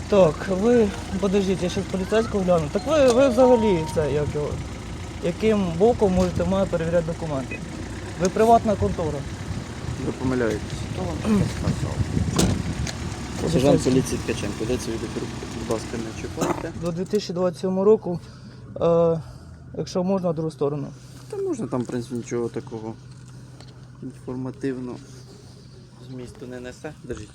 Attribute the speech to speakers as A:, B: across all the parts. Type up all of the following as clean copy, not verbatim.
A: Так, ви, подождіть, я ще поліцейського гляну. Так ви взагалі це, як його, яким боком можете мене перевіряти документи? Ви приватна контора.
B: Ви помиляєтесь. Хто вам таке сказав? Сержант поліції Ткаченко, де це відео, будь ласка, не чіпайте.
A: До 2027 року, якщо можна, другу сторону.
B: Та можна, там, в принципі, нічого такого інформативного змісту не несе. Держіть.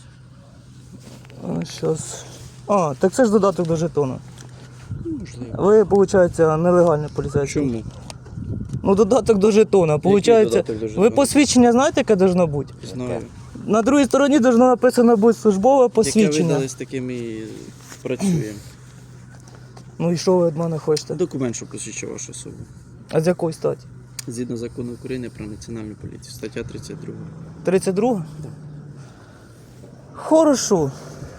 A: Щас. Так це ж додаток до жетону.
B: Можливо.
A: Ви, виходить, нелегальний поліцейський.
B: Чому?
A: Ну, додаток до жетона. Получається,
B: додаток до жетона?
A: ви посвідчення знаєте, яке должно бути?
B: Знаю.
A: На другій стороні должно написано бути службове
B: Яке
A: посвідчення.
B: видали, з таким і працюємо.
A: Ну і що ви від мене хочете?
B: Документ, що посвідчує вашу особу.
A: А з якої статі?
B: Згідно закону України про національну поліцію, стаття 32.
A: 32? Хорошо.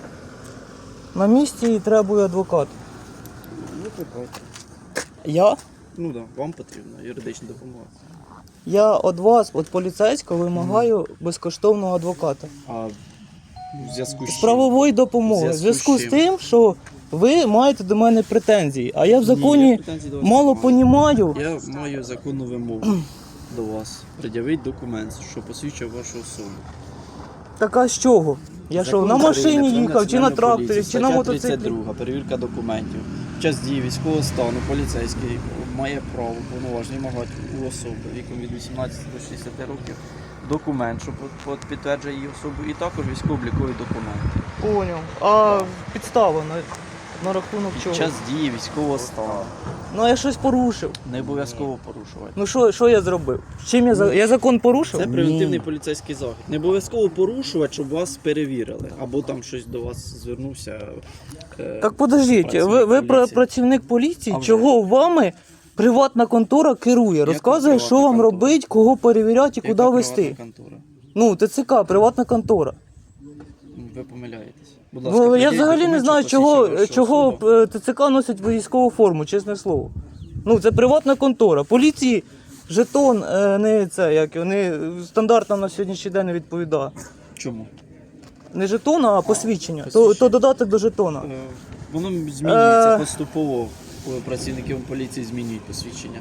A: На місці требує адвокат.
B: Викликайте.
A: Я?
B: Ну так, вам потрібна юридична допомога.
A: Я від вас, від поліцейського, вимагаю безкоштовного адвоката.
B: А в зв'язку з
A: З
B: чим?
A: правової допомоги. В зв'язку з
B: чим?
A: тим, що ви маєте до мене претензії, а я в
B: Ні,
A: законі
B: я претензій до вас
A: мало
B: не маю.
A: понімаю.
B: Я маю законну вимогу до вас. Пред'явіть документ, що посвідчує вашу особу.
A: Так а з чого? Я що,
B: Закон
A: на
B: України
A: машині
B: про
A: їхав, чи на
B: національну
A: тракторі,
B: поліцію,
A: чи на
B: стаття
A: мотоциклі?
B: 32, перевірка документів. Під час дії військового стану поліцейський має право повноваження вимагати у особи віком від 18 до 60 років документ, що підтверджує її особу, і також військово-облікові документи.
A: Поняв. А підстава на рахунок
B: Під
A: чого?
B: час дії військового стану
A: Ну я щось порушив.
B: не обов'язково порушувати.
A: Ну що я зробив? Чим я закон порушив?
B: Це превентивний поліцейський захід. Не обов'язково порушувати, щоб вас перевірили. Або там щось до вас звернувся.
A: Так подождіть, ви
B: поліції.
A: працівник поліції,
B: А вже
A: чого вами приватна контора керує, розказує,
B: приватна
A: що вам
B: контора?
A: робити, кого перевіряти і
B: Яка
A: куди вести.
B: приватна контора?
A: Ну, ТЦК, приватна контора.
B: Ви помиляєтесь. Будь
A: Я
B: приділіть
A: взагалі не
B: документ,
A: знаю,
B: що посвідчує вашу
A: чого
B: особу.
A: ТЦК носить військову форму, чесне слово. Ну, це приватна контора. Поліції жетон не це, як його, не стандартно на сьогоднішній день не відповідає.
B: Чому?
A: Не жетон, а посвідчення.
B: Посвідчення.
A: То додаток до жетона.
B: Воно змінюється поступово. Коли працівників поліції змінюють посвідчення.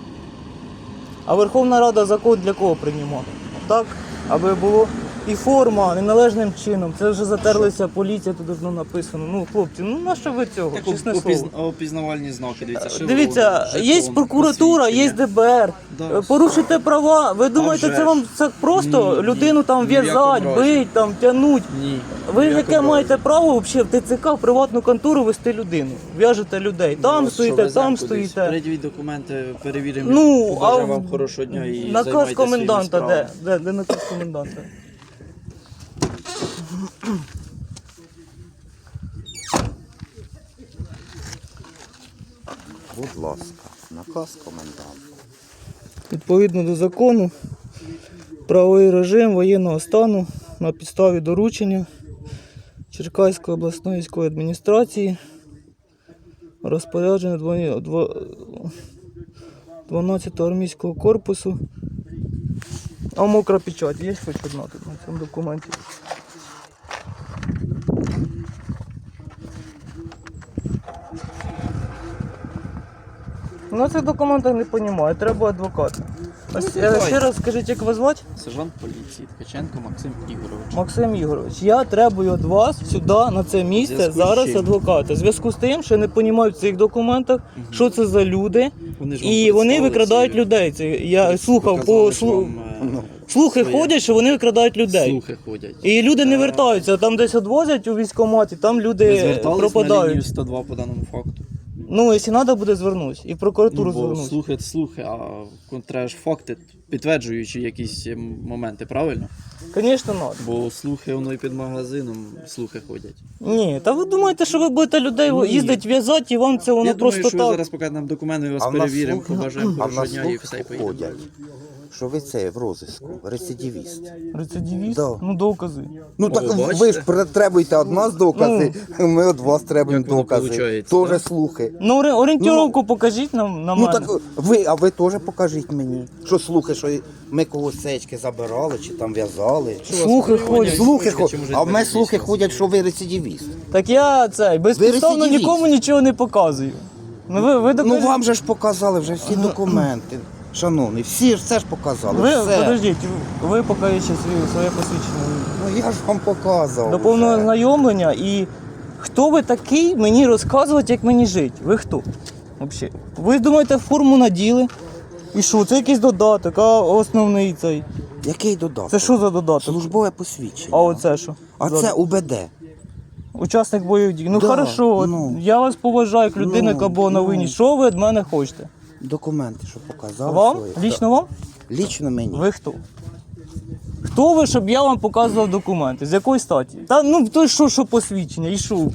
A: А Верховна Рада закон для кого приймала? Так, аби було і форма неналежним чином. Це вже затерлися поліція, тут давно написано. Ну, хлопці, ну на що ви цього?
B: Так,
A: Чесне слово.
B: опізнавальні знаки, дивіться, шеврон,
A: Дивіться, є
B: жетон,
A: прокуратура, є
B: посвідчення.
A: ДБР.
B: Да.
A: Порушите права. Ви думаєте,
B: вже
A: це
B: ж.
A: вам це просто
B: Ні,
A: людину там
B: ні в якому
A: в'язать,
B: разі.
A: бить, там тянуть?
B: Ні.
A: Ви
B: ні в
A: яке
B: якому
A: маєте
B: разі.
A: право взагалі в ТЦК в приватну контору вести людину? В'яжете людей. Там
B: Ну,
A: стоїте,
B: що, веземо
A: там
B: кудись?
A: стоїте.
B: Передивіть документи, перевіримо.
A: Ну, а
B: побажаємо вам хорошого дня і
A: наказ
B: займайтеся
A: коменданта
B: своїми
A: де? Де наказ коменданта?
C: Будь ласка, наказ коменданта.
A: Відповідно до закону, правовий режим воєнного стану на підставі доручення Черкаської обласної військової адміністрації, розпорядження 12-го армійського корпусу. А мокра печать, є хоч одна тут на цьому документі? На цих документах не розумію, треба адвоката. Ще раз скажіть, як вас звати?
B: Сержант поліції Ткаченко Максим Ігорович.
A: Максим Ігорович, я требую від вас сюди, на це місце,
B: Зв'язку з
A: зараз
B: чим?
A: адвоката. В зв'язку з тим, що я не розумію в цих документах, що це за люди,
B: Вони ж вам
A: і вони
B: представили
A: викрадають
B: ці-
A: людей. Це я слухав,
B: Показали ж вам,
A: слухи
B: своє.
A: ходять, що вони викрадають людей.
B: Слухи ходять.
A: І люди не вертаються, там десь відвозять у військкоматі, там
B: Ви
A: люди
B: звертались на лінію
A: пропадають.
B: 102 по даному факту?
A: Ну, якщо треба буде, звернусь. І в прокуратуру
B: Бо
A: звернусь.
B: слухи, а треба ж факти, підтверджуючи якісь моменти, правильно?
A: Звісно, треба.
B: Бо слухи, воно і під магазином слухи ходять.
A: Ні, та ви думаєте, що ви будете людей
B: Ні.
A: їздити в'язати, і вам це воно
B: Я думаю,
A: просто
B: що ви
A: так.
B: зараз покажете нам документи, ми вас
C: А в нас
B: перевіримо,
C: слухи-
B: побажаємо
C: а в
B: хорошого
C: нас
B: дня і
C: слухи
B: все, і поїдемо.
C: ходять. що ви це в розиску, рецидивіст.
A: Рецидивіст?
C: Да.
A: Ну, докази.
C: Ну
B: О,
C: так
B: бачите?
C: ви ж требуєте від нас докази, ми від вас требуємо
B: Як воно
C: докази.
B: получається,
C: Тоже
B: да?
C: слухи.
A: Ну, орієнтировку покажіть нам на
C: Ну
A: мене.
C: так а ви теж покажіть мені. Що слухи, що ми когось сечки забирали чи там в'язали.
A: Слухи ходять.
C: Слухи
B: Слухи, чи,
C: ходять,
B: може,
C: а в мене слухи
B: двадцять
C: ходять, що ви рецидивіст.
A: Так я безпідставно
C: рецидивіст.
A: нікому нічого не показую. Ну, ви
C: Ну
A: докажіть.
C: вам же ж показали вже всі документи. Шановний, всі ж все ж показали.
A: Ви,
C: все.
A: подождіть, ви покажіть ще своє посвідчення.
C: Ну я ж вам показував.
A: До повного
C: вже.
A: знайомлення і хто ви такий мені розказувати, як мені жити? Ви хто? Взагалі? Ви думаєте, форму наділи? І що? Це якийсь додаток, а основний цей.
C: Який додаток?
A: Це що за додаток?
C: Службове посвідчення.
A: А оце що?
C: А це УБД.
A: Учасник бойових дій. Ну
C: Да,
A: хорошо, от
C: ну.
A: я вас поважаю як людина, яка була на війні. Що ви від мене хочете?
C: Документи, що показали.
A: Вам?
C: свої.
A: Лічно вам?
C: Да. Лічно мені.
A: Ви хто? Хто ви, щоб я вам показував документи? З якої статі? Та ну то що посвідчення? І що?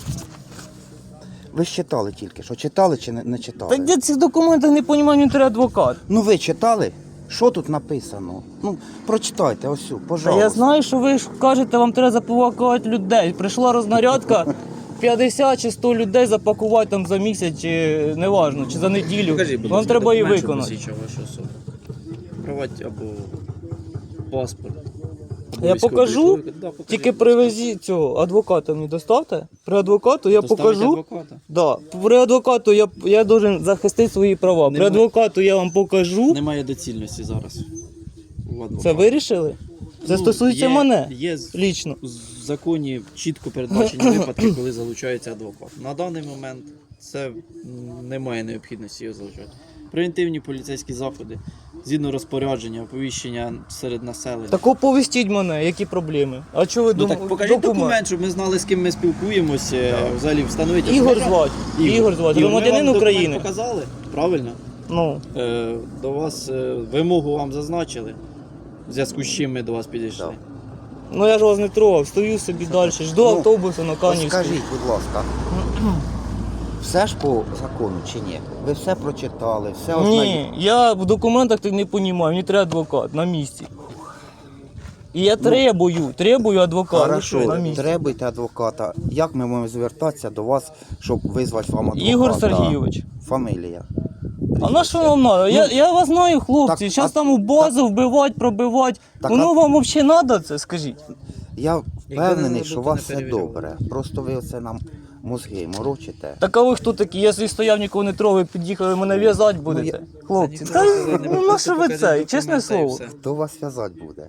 C: Ви ж читали тільки, що читали чи не читали?
A: Так я цих документів не розумію, мені треба адвокат.
C: Ну ви читали? Що тут написано? Ну, прочитайте, ось,
A: Та
C: пожалуйста.
A: я знаю, що ви ж кажете, вам треба запакувати людей. Прийшла рознарядка, 50 чи 100 людей запакувати там за місяць, чи неважно, чи за неділю.
B: Покажіть, будь
A: Вам
B: ласка,
A: треба її
B: документ, що
A: виконати.
B: посвідчує вашу особу. Проводь або паспорт. або
A: Я
B: військовий
A: покажу,
B: довідку. Да, покажіть,
A: тільки
B: будь ласка.
A: привезіть цього адвоката мені доставте. При адвокату я
B: Доставить
A: покажу.
B: адвоката.
A: Да. При адвокату я должен захистити свої права. При
B: Немає.
A: адвокату я вам покажу.
B: Немає доцільності зараз. у адвоката.
A: Це вирішили? Це
B: Ну,
A: стосується
B: є-
A: мене
B: Є
A: лічно.
B: в законі чітко передбачені випадки, коли залучається адвокат. На даний момент це немає необхідності його залучати. Превентивні поліцейські заходи, згідно розпорядження, оповіщення серед населення.
A: Так оповістіть мене, які проблеми. А що ви
B: Ну
A: думаєте?
B: так покажіть документ, щоб ми знали, з ким ми спілкуємося, взагалі встановити.
A: Ігор
B: особу.
A: звати. Ігор звати,
B: Ігор, ми
A: громадянин
B: вам документ
A: України.
B: показали, правильно?
A: Ну,
B: До вас вимогу вам зазначили, в зв'язку з чим ми до вас підійшли.
C: Так.
A: ну я ж вас не трогав, стою собі далі, жду
C: Ну,
A: автобусу на
C: Ось
A: Канівську.
C: скажіть, будь ласка, все ж по закону чи ні? Ви все прочитали, все
A: Ні, я в документах так не розумію, мені треба адвокат на місці. І я требую адвоката на
C: Хорошо,
A: місці.
C: требуйте адвоката. Як ми можемо звертатися до вас, щоб визвати вам адвоката?
A: Ігор Сергійович.
C: Фамілія.
A: А на що вам треба? Я вас знаю, хлопці,
C: так,
A: зараз
C: а-
A: там у базу вбивати, пробивати.
C: Так,
A: Воно
C: а-
A: вам взагалі треба це, скажіть?
C: Я впевнений,
B: Якби
C: що
B: не
C: у вас
B: не
C: все
B: перевіряли.
C: добре. Просто ви оце нам мозги морочите.
A: Так а ви хто такі? Я свій стояв, нікого не трогав, під'їхали, мене в'язати будете. Хлопці,
B: Це
A: та
B: ніхто сказати не
A: ну
B: буде,
A: на що ви
B: покажіть
A: це?
B: документи
A: Чесне
B: і
A: слово.
B: все.
C: Хто вас в'язати буде?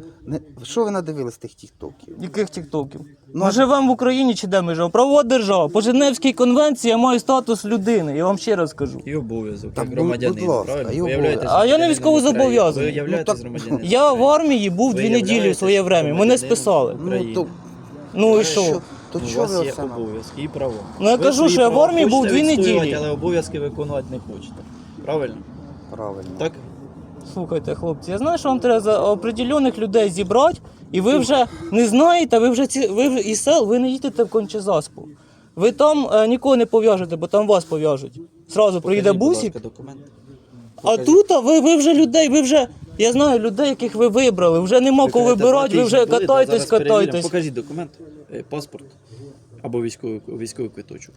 C: Що ви надивились тих тіктоків?
A: Яких тіктоків?
C: Ну,
A: Ми живемо в Україні чи де ми живемо? Правова держава. По Женевській конвенції я маю статус людини, я вам ще раз кажу.
B: І обов'язок,
C: Так,
B: як громадянин,
C: будь ласка,
B: правильно?
C: і
B: Ви
C: обов'язок.
B: являєтесь
A: А я не
B: громадянином
A: військовозобов'язаний.
B: України. Ви являєтесь
C: Ну, так,
B: громадянином
A: Я в
B: України.
A: армії був
B: Ви
A: 2 неділі в
B: являєтесь
A: своє время, мене
B: громадянином
A: списали.
B: України.
C: Ну, то,
A: Ну і що?
C: то
B: У
C: чого
B: вас
C: ви
B: є
C: оце нам?
B: обов'язки і права.
A: Ну, я
B: Ви
A: кажу,
B: свої
A: що я в
B: права
A: армії був
B: хочете
A: 2
B: відстоювати,
A: неділі.
B: але обов'язки виконувати не хочете. Правильно?
C: Правильно.
B: Так?
A: Слухайте, хлопці, я знаю, що вам треба за определених людей зібрати, і ви вже не знаєте, ви вже із сел, ви не їдете в Кончезаспу. Ви там нікого не пов'яжете, бо там вас пов'яжуть. Зразу приїде
B: Покажіть, будь
A: бусик,
B: ласка, документ.
A: а тут ви вже людей, я знаю людей, яких ви вибрали, вже нема кого
B: кажете,
A: вибирати, ви
B: 2
A: вже
B: тижні були,
A: катайтесь,
B: зараз перевіримо.
A: катайтесь.
B: Покажіть документ, паспорт або військовий квиточок.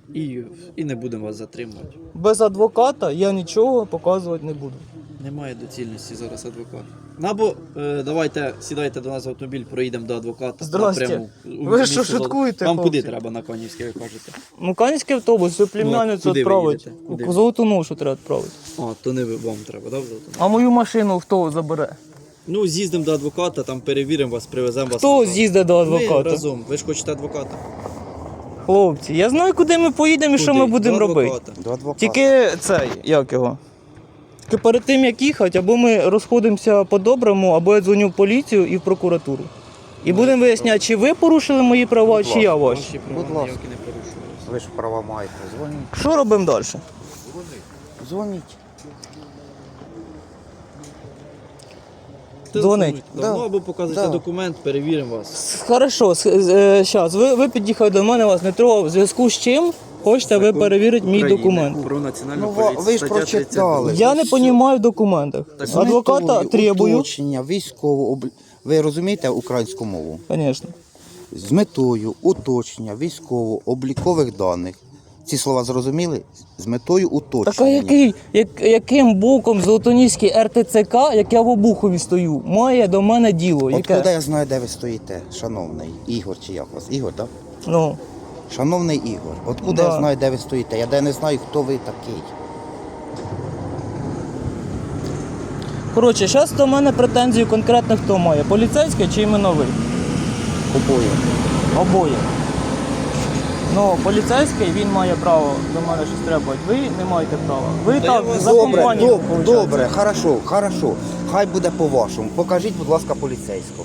B: І не будемо вас затримувати.
A: Без адвоката я нічого показувати не буду.
B: Немає доцільності зараз адвоката. Або давайте сідайте до нас в автомобіль, проїдемо до адвоката.
A: Здрасте.
B: напряму у
A: Ви
B: місто
A: що,
B: Золоте.
A: шуткуєте,
B: Вам куди
A: хлопці?
B: треба на Канівське, ви кажете?
A: Ну, Канівський автобус, ви племянницю
B: куди ви
A: відправити.
B: їдете? Куди?
A: У Золоту Ношу треба відправити.
B: То не вам треба, да, в Золотому?
A: А мою машину хто забере?
B: Ну, з'їздимо до адвоката, там перевіримо вас, привеземо вас.
A: Хто
B: назад.
A: з'їздить до
B: Ви
A: адвоката?
B: разом, ви ж хочете адвоката.
A: Хлопці, я знаю, куди ми поїдемо і що ми
B: Куди?
A: будемо
B: До
A: робити.
B: адвоката.
C: До адвоката.
A: Тільки цей, як його? Тільки перед тим, як їхати, або ми розходимося по-доброму, або я дзвоню в поліцію і в прокуратуру. І будемо виясняти, чи ви порушили мої права,
C: Будь
A: чи я ваші.
B: Ваші права
C: Будь ласка.
B: ніякі не порушуються.
C: Ви ж права маєте. Дзвоніть.
A: Що робимо далі?
C: Дзвоніть.
A: Дзвонить.
B: Да.
C: Да.
B: Ну, або показуйте
C: Да.
B: документ, перевіримо вас.
A: Хорошо, зараз. Ви під'їхали до мене, вас не трогав. В зв'язку з чим Хочете ви перевірити мій
B: України
A: документ?
B: Про національну
C: Ну,
B: поліцію.
C: ви ж
B: стаття
C: прочитали.
B: 32.
A: Я не розумію в документах.
C: З
A: Адвоката
C: метою
A: требую.
C: уточнення Ви розумієте українську мову?
A: Звісно.
C: З метою уточнення військово-облікових даних. Ці слова зрозуміли? З метою уточнення.
A: Так а яким боком Золотоніський РТЦК, як я в Обухові стою, має до мене діло?
C: От
A: Яке?
C: куди я знаю, де ви стоїте, шановний Ігор, чи як вас? Ігор, так?
A: Ну,
C: Шановний Ігор, от куди
A: Да.
C: я знаю, де ви стоїте? Я де не знаю, хто ви такий.
A: коротше, зараз до мене претензії конкретно хто має? Поліцейський чи іменно ви?
C: Обоє.
A: Обоє. Ну, поліцейський, він має право до мене щось требувати. Ви не маєте права. Ви
B: я
A: так
B: вас-
A: за
C: Добре,
A: компанію. виходить.
C: добре, хорошо. Хай буде по-вашому. Покажіть, будь ласка, поліцейському.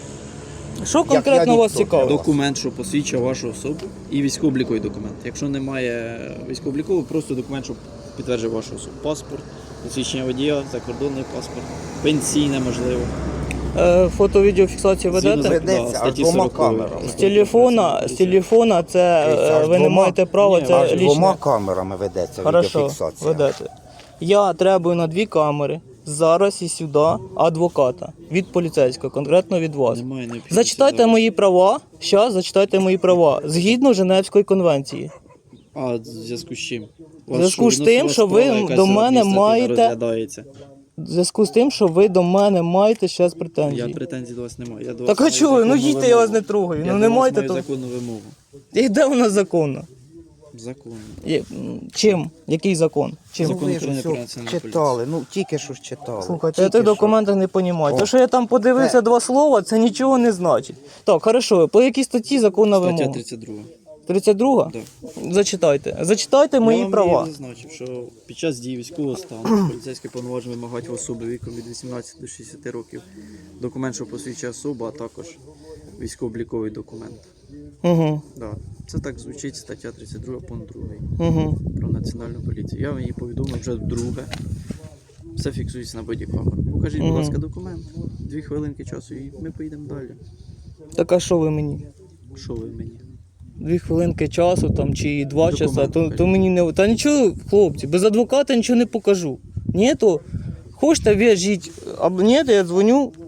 A: Що конкретно
C: я
A: вас
C: ніхто.
A: цікавить?
B: Документ, що посвідчує вашу особу, і військово-обліковий документ. Якщо немає військово-облікового, просто документ, що підтверджує вашу особу. Паспорт, посвідчення водія, закордонний паспорт, пенсійне можливо.
A: Фото-відеофіксацію ведете?
B: Згідно
C: Ведеться,
B: да,
C: аж
B: статті
C: двома
B: 40.
C: камерами.
A: З телефона це
C: Дивіться, аж
A: ви не
C: двома-
A: маєте права,
B: Ні,
A: це
C: Аж двома
A: лічне.
C: камерами ведеться
A: Хорошо,
C: відеофіксація.
A: ведете. Я требую на 2 камери зараз і сюди адвоката від поліцейського, конкретно від вас.
B: Немає необхідності
A: Зачитайте
B: зараз.
A: мої права. Зараз зачитайте мої права згідно Женевської конвенції.
B: А в зв'язку з чим?
A: В зв'язку з тим, що ви до мене маєте-
B: розглядається.
A: В зв'язку з тим, що ви до мене маєте зараз
B: Я
A: претензії.
B: претензій до вас не маю. Я до
A: Так
B: вас
A: а
B: маю
A: чого? ви? Ну
B: законну
A: їдьте, я вас
B: вимогу.
A: не трогаю.
B: Я
A: Ну
B: до
A: не
B: вас
A: маєте
B: маю
A: то.
B: законну вимогу.
A: І де вона законна?
B: Законну.
A: Чим? Який закон? Чим?
C: Ну, ви ж
B: України
C: все
B: про національну
C: читали, ну тільки що ж читали.
A: Слухайте, я
C: Тільки
A: тих
C: що.
A: документах не розумію.
C: О.
A: Те, що я там подивився
C: Це-
A: 2 слова, це нічого не значить. Так, хорошо, по якій статті законна
B: Стаття
A: вимога?
B: 32.
A: 32?
B: Да.
A: Зачитайте. Зачитайте мої
B: Я вам
A: права.
B: її зазначив, що під час дії військового стану поліцейські повноваження вимагають в особи віком від 18 до 60 років документ, що посвідчує особу, а також військово-обліковий документ.
A: Угу.
B: Да. Це так звучить стаття 32 пункт 2
A: Угу.
B: про національну поліцію. Я вам її повідомив вже вдруге. Все фіксується на бодікамеру. Покажіть, будь
A: Мгм.
B: ласка, документ. 2 хвилинки часу і ми поїдемо далі.
A: Так а що ви мені?
B: Що ви мені?
A: 2 хвилинки часу там чи 2
B: Документ
A: часа, то
B: покажіть.
A: мені не. Та нічого, хлопці, без адвоката нічого не покажу. Ні, то хочете в'яжіть, або ні, то я дзвоню